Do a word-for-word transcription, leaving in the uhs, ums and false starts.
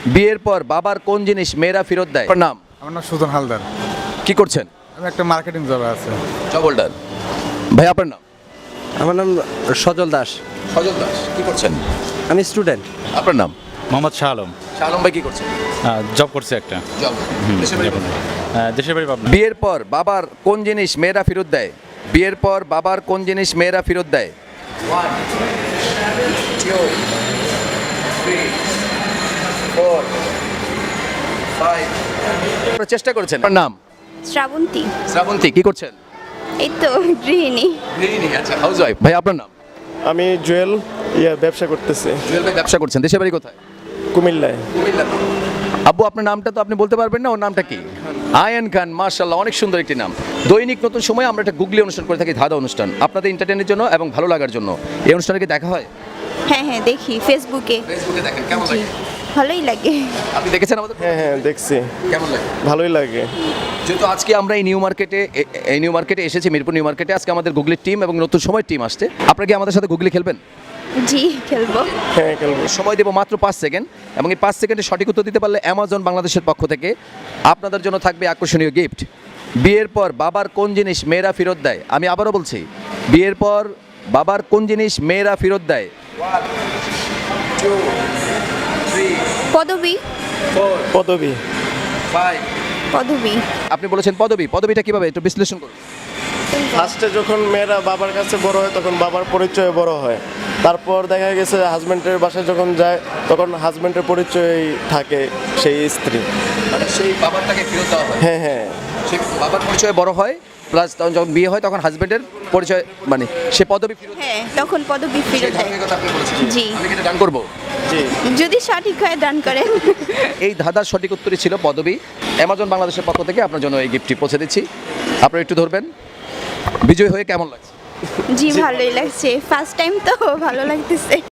বিয়ের পর বাবার কোন জিনিস মেয়েরা ফেরত দেয়? আপনার নাম? আমার নাম সুজন হালদার। কি করছেন? আমি একটা মার্কেটিং জবে আছে। Job holder. ভাই আপনার নাম? আমার নাম সজল দাস। সজল দাস। কি করছেন? আমি স্টুডেন্ট। আপনার নাম? মোহাম্মদ শাহ আলম। শাহ আলম ভাই কি করছেন? জব করছে একটা। জব। দেশের বাড়ি কোথায়? আহ, দেশের বাড়ি পাবনা। বিয়ের পর বাবার কোন জিনিস মেয়েরা ফেরত দেয়? বিয়ের পর বাবার কোন জিনিস মেয়েরা ফেরত দেয়? One, two, three, four, five. আপনারা চেষ্টা করেছেন। আপনার নাম? শ্রাবন্তী। শ্রাবন্তী। কি করছেন? এই তো গৃহিণী। গৃহিণী। আচ্ছা, হাউস ওয়াইফ। ভাই আপনার নাম? আমি জুয়েল ইয়া ব্যবসা করতেছি জুয়েল ভাই ব্যবসা করছেন। দেশের বাড়ি কোথায়? কুমিল্লায়। আব্বু আপনার নামটা তো আপনি বলতে পারবেন না, ওর নামটা কি? আয়ান খান। মাশাআল্লাহ, অনেক সুন্দর একটি নাম। দৈনিক নতুন সময় আমরা একটা গুগলি অনুষ্ঠান করে থাকি, ধাঁধা অনুষ্ঠান, আপনাদের এন্টারটেইনের জন্য এবং ভালো লাগার জন্য। এই অনুষ্ঠানে কি দেখা হয়? হ্যাঁ হ্যাঁ দেখি ফেসবুকে। ফেসবুকে দেখেন, কেমন জি, লাগে? ভালোই লাগে। আপনি দেখেছেন আমাদের? হ্যাঁ হ্যাঁ দেখছি, কেমন লাগে? ভালোই লাগে। যেহেতু আজকে আমরা এই নিউ মার্কেটে এ- এই নিউ মার্কেটে এসেছি, মিরপুর নিউ মার্কেটে, আজকে আমাদের গুগলির টিম এবং নতুন সময় টিম আসছে। আপনারা কি আমাদের সাথে গুগলি খেলবেন? জি খেলবো। হ্যাঁ খেলবো। সময় দেবো মাত্র পাঁচ সেকেন্ড, এবং এই পাঁচ সেকেন্ডে সঠিক উত্তর দিতে পারলে অ্যামাজন বাংলাদেশের পক্ষ থেকে আপনাদের জন্য থাকবে আকর্ষণীয় গিফট। বিয়ের পর বাবার কোন জিনিস মেয়েরা ফেরত দেয়? আমি আবারও বলছি, বিয়ের পর বাবার কোন জিনিস মেয়েরা ফেরত দেয়? পদবী। পদবী। পদবী। আপনি বলেছেন পদবী। পদবীটা কিভাবে একটু বিশ্লেষণ করুন। ফার্স্টে যখন মেয়েরা বাবার কাছে বড় হয় তখন বাবার পরিচয় বড় হয়, তারপর দেখা গেছে হাজব্যান্ডের বাসায় যখন যায় তখন হাজব্যান্ডের পরিচয় থাকে সেই স্ত্রী। মানে সেই বাবারটাকে ফেরত দেওয়া হয়। হ্যাঁ হ্যাঁ সেই বাবার পরিচয় বড় হয়, প্লাস তখন যখন বিয়ে হয় তখন হাজবেন্ডের পরিচয়, মানে সে পদবী ফেরত দেয়। হ্যাঁ তখন পদবী ফেরত সেই দেয়। ধারাবাহিকতা আপনি বলেছেন। জি। আমি কি এটা ডান করবো? জি। যদি সঠিক হয় দান করেন। এই ধাঁধার সঠিক উত্তরই ছিল পদবী। অ্যামাজন বাংলাদেশের পক্ষ থেকে আপনার জন্য এই গিফটটি পৌঁছে দিচ্ছি। আপনারা একটু ধরবেন। বিজয় হয়ে কেমন লাগছে? জি ভালোই লাগছে, ফার্স্ট টাইম তো ভালো লাগতেছে।